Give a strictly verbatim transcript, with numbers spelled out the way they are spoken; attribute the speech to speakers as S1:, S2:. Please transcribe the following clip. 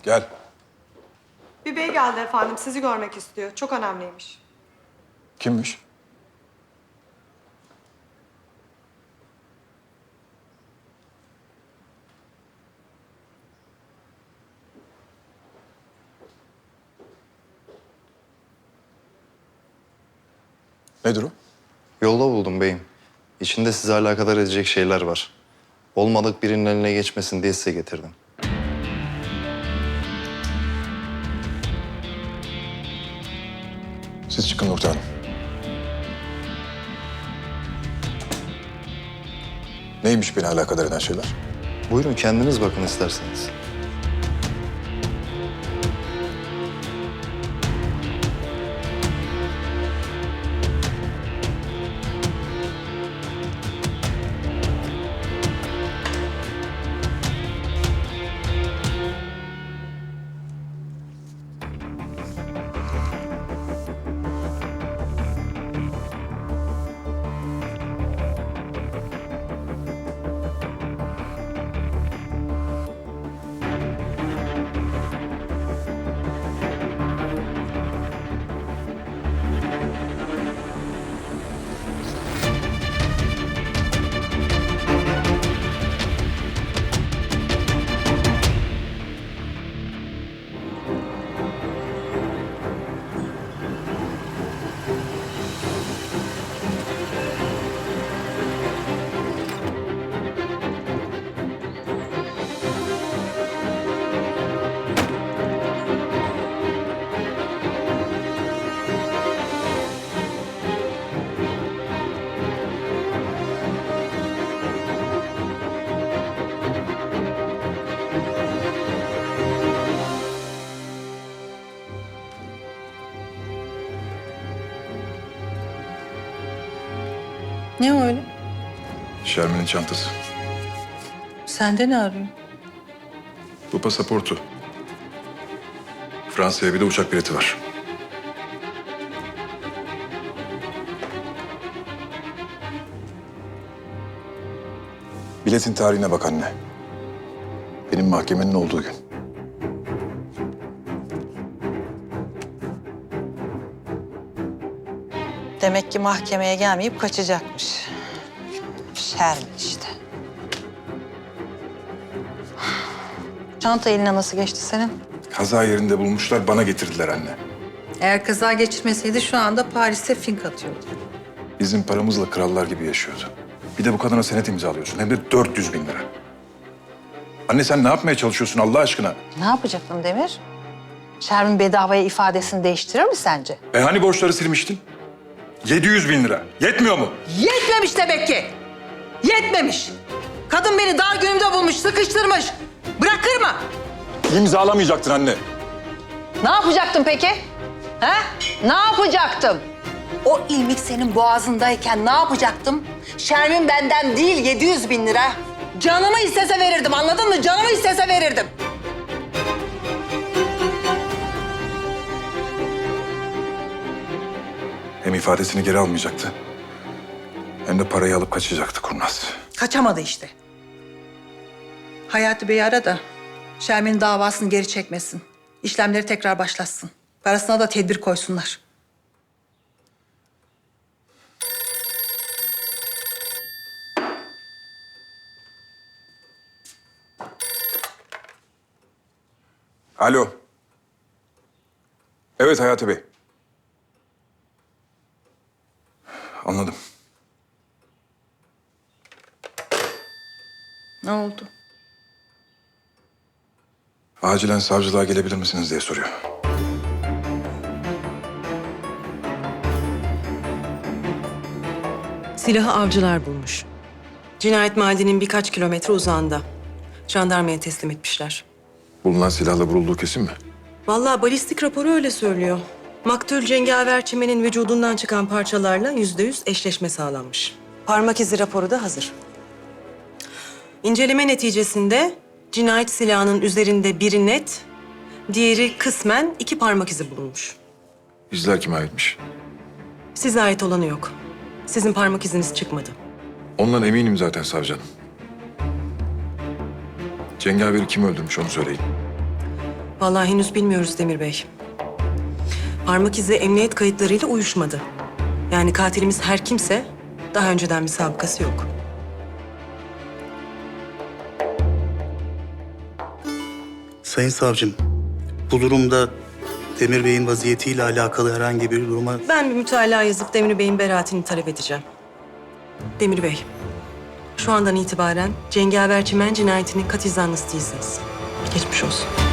S1: Gel.
S2: Bir bey geldi efendim, sizi görmek istiyor. Çok önemliymiş.
S1: Kimmiş? Nedir o?
S3: Yolda buldum beyim. İçinde sizi alakadar edecek şeyler var. Olmadık birinin eline geçmesin diye size getirdim.
S1: Siz çıkın Nurten Hanım. Neymiş beni alakadar eden şeyler?
S3: Buyurun kendiniz bakın isterseniz.
S4: Ne o öyle?
S1: Şermin'in çantası.
S4: Sende ne arıyor?
S1: Bu pasaportu. Fransa'ya bir de uçak bileti var. Biletin tarihine bak anne. Benim mahkemenin olduğu gün.
S4: Demek ki mahkemeye gelmeyip kaçacakmış. Şermin işte. Çanta eline nasıl geçti senin?
S1: Kaza yerinde bulmuşlar, bana getirdiler anne.
S4: Eğer kaza geçirmeseydi şu anda Paris'te fink atıyordu.
S1: Bizim paramızla krallar gibi yaşıyordu. Bir de bu kadına senet imzalıyorsun. Hem de dört yüz bin lira. Anne sen ne yapmaya çalışıyorsun Allah aşkına?
S4: Ne yapacaktın Demir? Şermin bedavaya ifadesini değiştirir mi sence?
S1: E hani borçları silmiştin? yedi yüz bin lira. Yetmiyor mu?
S4: Yetmemiş demek ki. Yetmemiş. Kadın beni dar günümde bulmuş, sıkıştırmış. Bırakır mı?
S1: İmzalamayacaktın anne.
S4: Ne yapacaktım peki? He? Ne yapacaktım? O ilmik senin boğazındayken ne yapacaktım? Şermin benden değil yedi yüz bin lira. Canımı istese verirdim, anladın mı? Canımı istese verirdim.
S1: Hem ifadesini geri almayacaktı. Hem de parayı alıp kaçacaktı kurnaz.
S4: Kaçamadı işte. Hayati Bey'i ara da Şermin'in davasını geri çekmesin. İşlemleri tekrar başlatsın. Parasına da tedbir koysunlar.
S1: Alo. Evet Hayati Bey. Anladım.
S4: Ne oldu?
S1: Acilen savcılığa gelebilir misiniz diye soruyor.
S5: Silahı avcılar bulmuş. Cinayet mahallinin birkaç kilometre uzağında. Jandarmaya teslim etmişler.
S1: Bulunan silahla vurulduğu kesin mi?
S5: Vallahi balistik raporu öyle söylüyor. Maktul cengaver çimenin vücudundan çıkan parçalarla yüzde yüz eşleşme sağlanmış. Parmak izi raporu da hazır. İnceleme neticesinde cinayet silahının üzerinde biri net, diğeri kısmen iki parmak izi bulunmuş.
S1: İzler kime aitmiş?
S5: Size ait olanı yok. Sizin parmak iziniz çıkmadı.
S1: Ondan eminim zaten savcı hanım. Cengaveri kim öldürmüş onu söyleyin.
S5: Vallahi henüz bilmiyoruz Demir Bey. Parmak izi emniyet kayıtlarıyla uyuşmadı. Yani katilimiz her kimse daha önceden bir sabıkası yok.
S6: Sayın savcım, bu durumda Demir Bey'in vaziyetiyle alakalı herhangi bir duruma...
S5: Ben bir mütalaa yazıp Demir Bey'in beraatini talep edeceğim. Demir Bey, şu andan itibaren Cengaver Çimen cinayetinin katil zanlısı değilsiniz. Geçmiş olsun.